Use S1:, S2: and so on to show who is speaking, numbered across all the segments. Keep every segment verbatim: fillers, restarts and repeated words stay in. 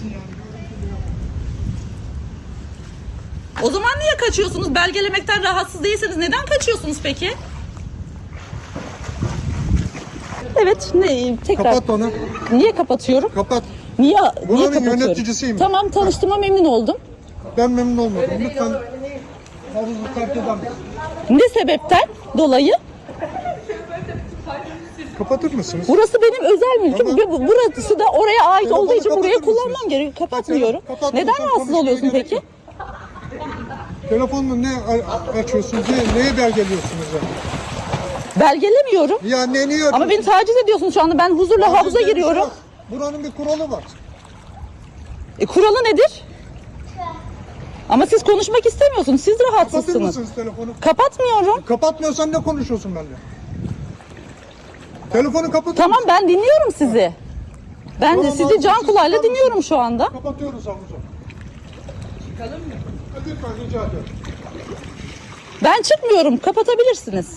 S1: O zaman niye kaçıyorsunuz? Belgelemekten rahatsız değilseniz neden kaçıyorsunuz peki? Evet, ne tekrar.
S2: Kapat onu.
S1: Niye kapatıyorum?
S2: Kapat.
S1: Niye, niye
S2: Buranın
S1: kapatıyorum?
S2: yöneticisiyim.
S1: Tamam, tanıştığıma memnun oldum.
S2: Ben memnun olmadım. Lütfen havuzu terk eder misin?
S1: Ne sebepten dolayı?
S2: Kapatır mısınız?
S1: Burası benim özel mülküm
S2: Tamam.
S1: ve bu- burası da oraya ait
S2: Telefonu
S1: olduğu için burayı
S2: kapatır
S1: kullanmam
S2: mısınız?
S1: gerekiyor. Kapatmıyorum.
S2: Kapatmıyorsan
S1: Neden rahatsız
S2: konuşmaya
S1: oluyorsun
S2: gerek
S1: peki?
S2: yok. Telefonla ne a- açıyorsunuz? Ne, neye belgeliyorsunuz ya?
S1: Belgelemiyorum.
S2: Ya ne niye
S1: Ama beni taciz ediyorsunuz şu anda. Ben huzurla
S2: Taciz
S1: havuza
S2: diye bir şey
S1: giriyorum.
S2: yok. Buranın bir kuralı var.
S1: E, kuralı nedir? Ama siz konuşmak istemiyorsunuz. Siz
S2: Kapatır
S1: rahatsızsınız.
S2: mısınız telefonu?
S1: Kapatmıyorum.
S2: Kapatmıyorsan ne konuşuyorsun benimle? Telefonu kapatır
S1: Tamam,
S2: mısın?
S1: ben dinliyorum sizi. Ben de
S2: Tamam,
S1: sizi
S2: abi,
S1: can
S2: siz
S1: kulağıyla
S2: çıkar
S1: dinliyorum
S2: mısınız?
S1: şu anda.
S2: Kapatıyoruz havuzu. Çıkalım mı? Lütfen rica ediyorum.
S1: Ben çıkmıyorum. Kapatabilirsiniz.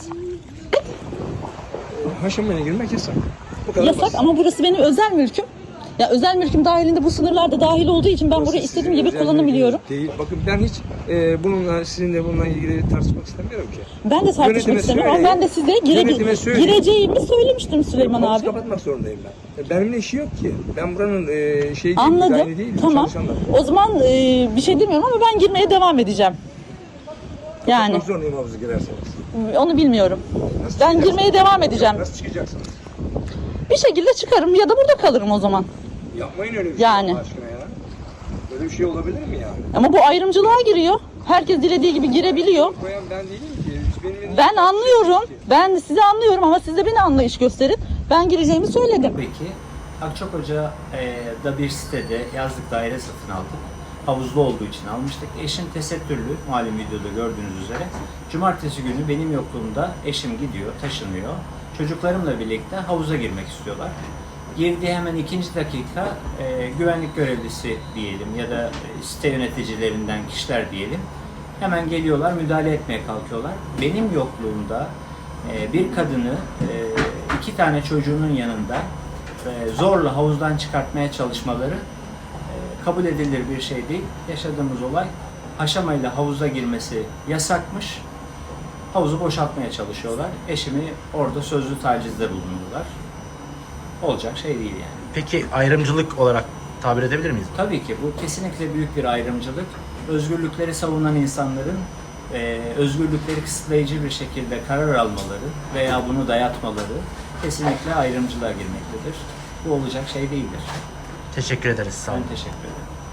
S3: Haşamaya girmek yasak. Bu kadar
S1: Yasak
S3: basit.
S1: ama burası benim özel mülküm. Ya özel mülküm dahilinde bu sınırlar da dahil olduğu için ben burayı
S3: Burası
S1: istediğim
S3: sizin
S1: gibi
S3: özel
S1: kullanabiliyorum.
S3: mülkünüz Değil. Bakın ben hiç e, bununla sizinle bununla ilgili tartışmak istemiyorum ki.
S1: Ben de tartışmak
S3: Yönetime
S1: istemiyorum ama
S3: söyleyin.
S1: ben de size gire
S3: Yönetime söyleyin.
S1: gireceğimi söylemiştim Süleyman
S3: Havuzu
S1: abi.
S3: kapatmak zorundayım ben. E, Benimle işi yok ki. Ben buranın e, şey
S1: Anladım.
S3: dizaynı değilim.
S1: Tamam.
S3: Çalışanlar.
S1: O zaman e, bir şey demiyorum ama ben girmeye devam edeceğim. Yani
S3: Kapatmak zorundayım havuza girerseniz.
S1: onu bilmiyorum.
S3: Nasıl
S1: Ben
S3: çıkacaksınız?
S1: girmeye devam edeceğim.
S3: Nasıl çıkacaksınız?
S1: Bir şekilde çıkarım ya da burada kalırım o zaman.
S3: Yapmayın öyle bir
S1: Yani.
S3: şey Allah aşkına ya. Böyle bir şey olabilir mi yani?
S1: Ama bu ayrımcılığa giriyor. Herkes dilediği gibi girebiliyor.
S3: Koyan ben değilim ki. Hiç benim elimde
S1: Ben
S3: bir şey
S1: anlıyorum.
S3: yok ki.
S1: Ben sizi anlıyorum ama siz de beni anlayış gösterin. Ben gireceğimi söyledim.
S4: Peki, Akçakoca'da bir sitede yazlık daire satın aldık. Havuzlu olduğu için almıştık. Eşim tesettürlü, malum videoda gördüğünüz üzere. Cumartesi günü benim yokluğumda eşim gidiyor, taşınıyor. Çocuklarımla birlikte havuza girmek istiyorlar. Girdiği hemen ikinci dakika e, güvenlik görevlisi diyelim ya da e, site yöneticilerinden kişiler diyelim. Hemen geliyorlar, müdahale etmeye kalkıyorlar. Benim yokluğumda e, bir kadını e, iki tane çocuğunun yanında e, zorla havuzdan çıkartmaya çalışmaları e, kabul edilir bir şey değil. Yaşadığımız olay haşamayla havuza girmesi yasakmış. Havuzu boşaltmaya çalışıyorlar. Eşimi orada sözlü tacizde bulundular. Olacak şey değil yani.
S5: Peki ayrımcılık olarak tabir edebilir miyiz?
S4: Tabii ki bu kesinlikle büyük bir ayrımcılık. Özgürlükleri savunan insanların e, özgürlükleri kısıtlayıcı bir şekilde karar almaları veya bunu dayatmaları kesinlikle ayrımcılığa girmektedir. Bu olacak şey değildir.
S5: Teşekkür ederiz. Sağ olun.
S4: Ben teşekkür ederim.